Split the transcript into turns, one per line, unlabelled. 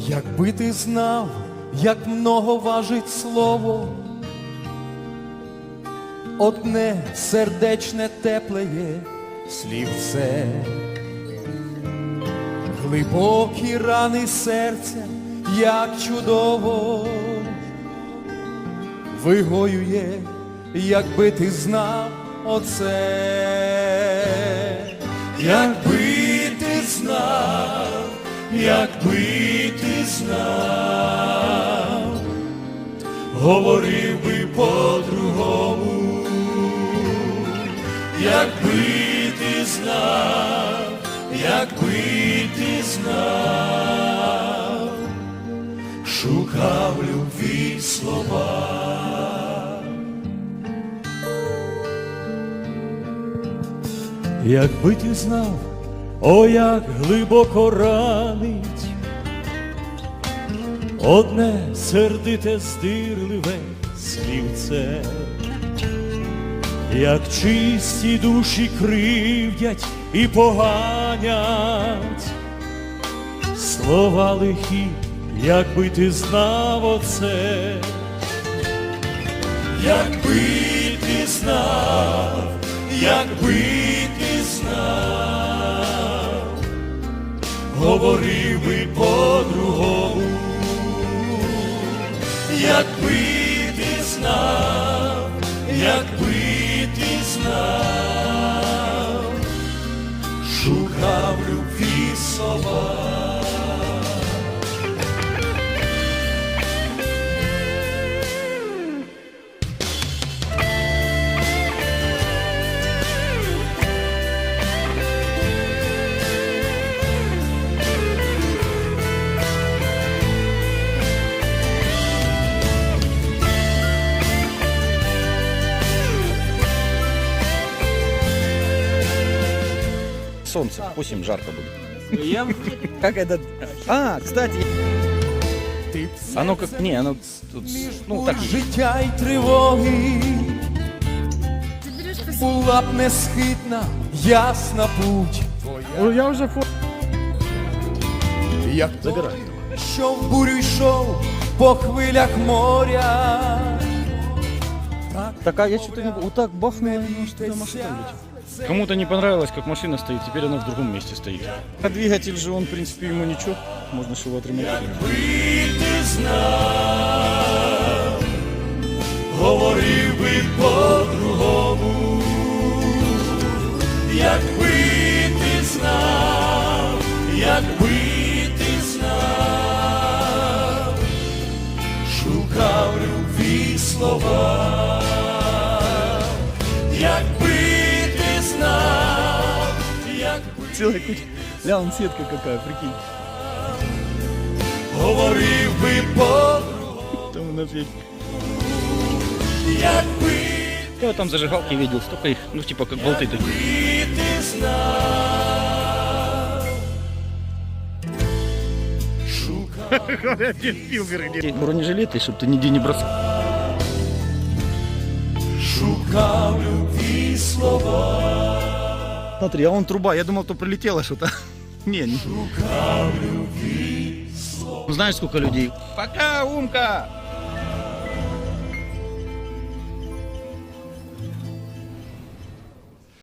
Якби ти знав, як много важить слово, одне сердечне теплеє слівце, глибокі рани серця, як чудово вигоює, якби ти знав оце. Якби ти знав, якби ти знав, говорив би по-другому. Якби ти знав, якби ти знав, шукав любві слова. Якби ти знав, о, як глибоко ранить одне сердите здирливе слівце, як чисті душі кривдять і поганять слова лихі, якби ти знав оце. Якби ти знав, якби ти знав, говорив би по-другому. Якби ти знав, якби ти знав, шукав любві слова.
Солнце, пусть им жарко будет. Как это? А, кстати. Оно как... Не, оно тут... Ну, так.
Життя й тривоги, була б несхитна, ясна путь твоя.
Ну, я вже
Як той, що в бурю йшов по хвилях моря.
Так, а я что-то не... Вот так бахнуло, что машина улетела.
Кому-то не понравилось, как машина стоит, теперь она в другом месте стоит.
А двигатель же, он, в принципе, ему ничего. Можно же его отремонтировать.
Якби ти знав, говорив би по-другому. Якби ти знав, якби ти знав, шукав любві слова. Якби ти знав, якби
Целая куча. Ля, он сетка какая, прикинь.
говорив би по-другому.
Там у нас есть.
Якби
Я вот там зажигалки видел, столько их, ну типа как болты такие.
ти знав, шукав
Бронежилеты, чтобы ты нигде не бросал.
шукав любві слова.
Смотри, а он труба, я думал, то прилетело что-то. Не, не.
Шукав любві слова.
Знаешь, сколько людей? Пока, Умка!